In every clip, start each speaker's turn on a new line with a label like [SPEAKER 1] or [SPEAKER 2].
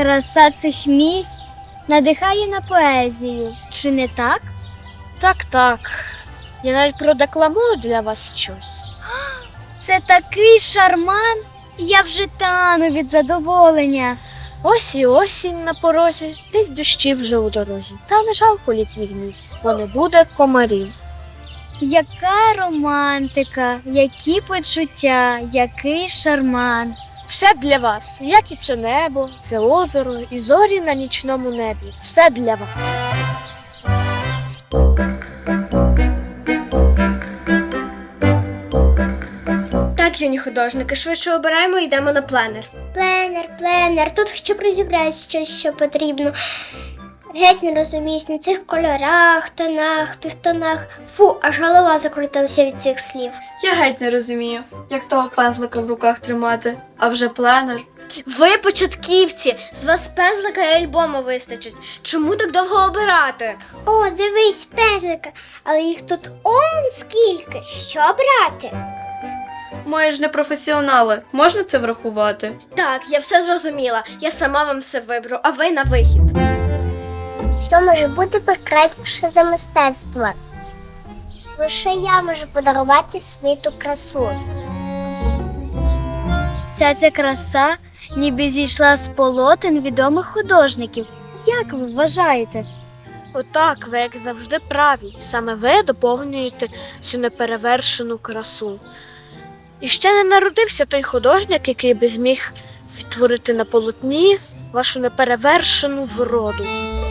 [SPEAKER 1] Краса цих місць надихає на поезію, чи не так?
[SPEAKER 2] Так. Я навіть продекламую для вас щось.
[SPEAKER 1] Це такий шарман, я вже тану від задоволення.
[SPEAKER 2] Ось і осінь на порозі, десь дощі вже у дорозі. Та не жалко літніх днів, бо не буде комарів.
[SPEAKER 1] Яка романтика, які почуття, який шарман.
[SPEAKER 2] Все для вас, як і це небо, це озеро, і зорі на нічному небі. Все для вас.
[SPEAKER 3] Так, юні художники, швидше обираємо і йдемо на пленер.
[SPEAKER 4] Пленер. Тут щоб розібрати щось, що потрібно. Геть не розуміюсь на цих кольорах, тонах, півтонах. Фу, аж голова закрутилася від цих слів.
[SPEAKER 3] Я геть не розумію, як того пензлика в руках тримати, а вже пленер. Ви початківці, з вас пензлика і альбому вистачить. Чому так довго обирати?
[SPEAKER 4] О, дивись, пензлика, але їх тут он скільки. Що брати?
[SPEAKER 3] Ми ж не професіонали, можна це врахувати? Так, я все зрозуміла. Я сама вам все виберу, а ви на вихід.
[SPEAKER 4] Що може бути прекрасніше за мистецтво? Лише я можу подарувати світу красу.
[SPEAKER 1] Вся ця краса ніби зійшла з полотен відомих художників. Як ви вважаєте?
[SPEAKER 2] Отак, ви, як завжди, праві. Саме ви доповнюєте цю неперевершену красу. І ще не народився той художник, який би зміг відтворити на полотні вашу неперевершену вроду.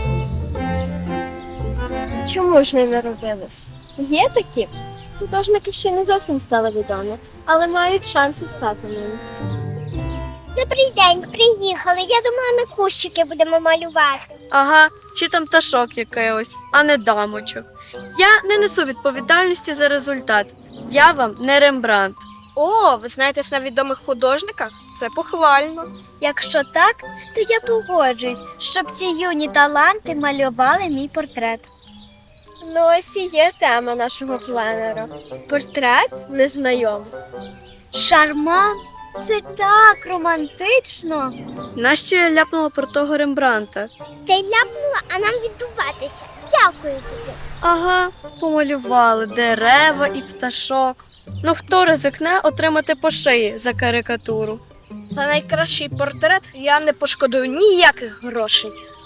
[SPEAKER 3] Чому ж не народились? Є такі? Художники ще не зовсім стали відомі, але мають шанси стати ними.
[SPEAKER 4] Добрий день, приїхали. Я думала, ми кущики будемо малювати.
[SPEAKER 3] Ага, чи там пташок якийсь, а не дамочок. Я не несу відповідальності за результат. Я вам не Рембрандт.
[SPEAKER 2] О, ви знаєтесь на відомих художниках? Це похвально.
[SPEAKER 1] Якщо так, то я погоджуюсь, щоб ці юні таланти малювали мій портрет.
[SPEAKER 3] Ну ось і є тема нашого пленера. Портрет незнайомий.
[SPEAKER 1] Шарман? Це так романтично.
[SPEAKER 3] Нащо я ляпнула про того Рембрандта?
[SPEAKER 4] Та й ляпнула, а нам віддуватися. Дякую тобі.
[SPEAKER 3] Ага, помалювали дерева і пташок. Ну хто ризикне отримати по шиї за карикатуру?
[SPEAKER 2] За найкращий портрет я не пошкодую ніяких грошей.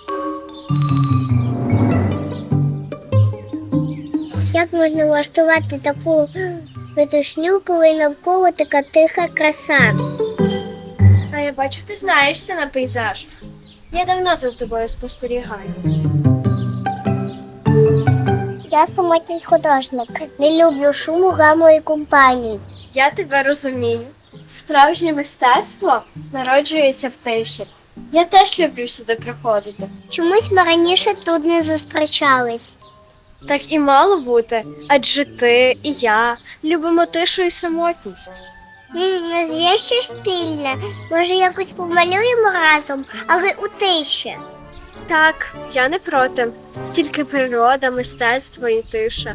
[SPEAKER 4] Як можна влаштувати таку видушню, коли навколо така тиха краса?
[SPEAKER 3] А я бачу, ти знаєшся на пейзаж. Я давно за тобою спостерігаю.
[SPEAKER 4] Я самотній художник. Не люблю шуму, гаму і компаній.
[SPEAKER 3] Я тебе розумію. Справжнє мистецтво народжується в тиші. Я теж люблю сюди приходити.
[SPEAKER 4] Чомусь ми раніше тут не зустрічались.
[SPEAKER 3] Так і мало бути, адже ти і я любимо тишу і самотність.
[SPEAKER 4] У нас є щось спільне. Може, якось помалюємо разом, але у тиші.
[SPEAKER 3] Так, я не проти. Тільки природа, мистецтво і тиша.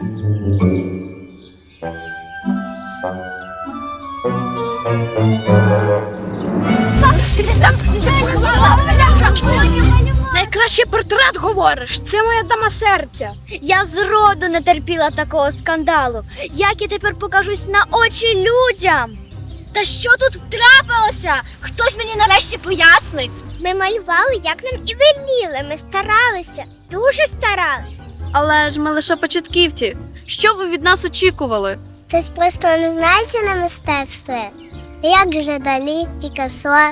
[SPEAKER 2] Найкращий портрет, говориш? Це моя дама серця.
[SPEAKER 1] Я зроду не терпіла такого скандалу. Як я тепер покажусь на очі людям? Та що тут трапилося? Хтось мені нарешті пояснить.
[SPEAKER 4] Ми малювали, як нам і веліли. Ми старалися, дуже старалися.
[SPEAKER 3] Але ж ми лише початківці. Що ви від нас очікували?
[SPEAKER 4] Хтось просто не знається на мистецтві. Як же Далі, Пікассо.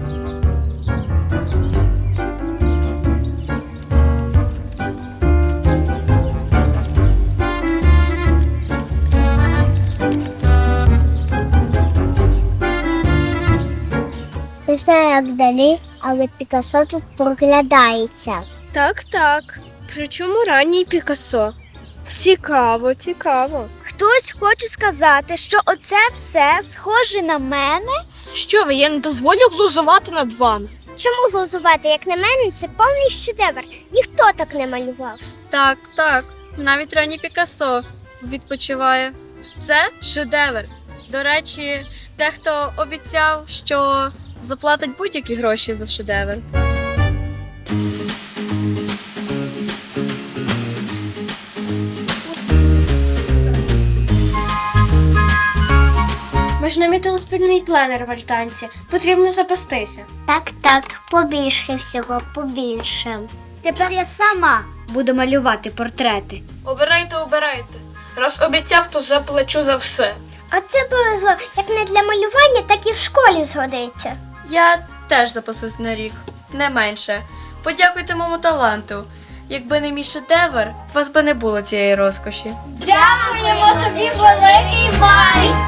[SPEAKER 4] Не знаю, як Далі, але Пікассо тут проглядається.
[SPEAKER 3] Так. Причому ранній Пікассо. Цікаво.
[SPEAKER 1] Хтось хоче сказати, що оце все схоже на мене?
[SPEAKER 2] Що ви, я не дозволю глузувати над вами.
[SPEAKER 4] Чому глузувати, як на мене, це повний шедевр. Ніхто так не малював.
[SPEAKER 3] Так. Навіть ранній Пікассо відпочиває. Це шедевр. До речі, дехто обіцяв, що
[SPEAKER 2] заплатить будь-які гроші за шедевр.
[SPEAKER 3] Ми ж намітили спільний пленер в альтанці. Потрібно запастися.
[SPEAKER 4] Так, побільше всього, побільше.
[SPEAKER 1] Тепер я сама буду малювати портрети.
[SPEAKER 2] Обирайте. Раз обіцяв, то заплачу за все.
[SPEAKER 4] А це повезло, як не для малювання, так і в школі згодиться.
[SPEAKER 2] Я теж запасусь на рік, не менше. Подякуйте моєму таланту. Якби не мій шедевр, у вас би не було цієї розкоші.
[SPEAKER 3] Дякуємо тобі, великий майстер!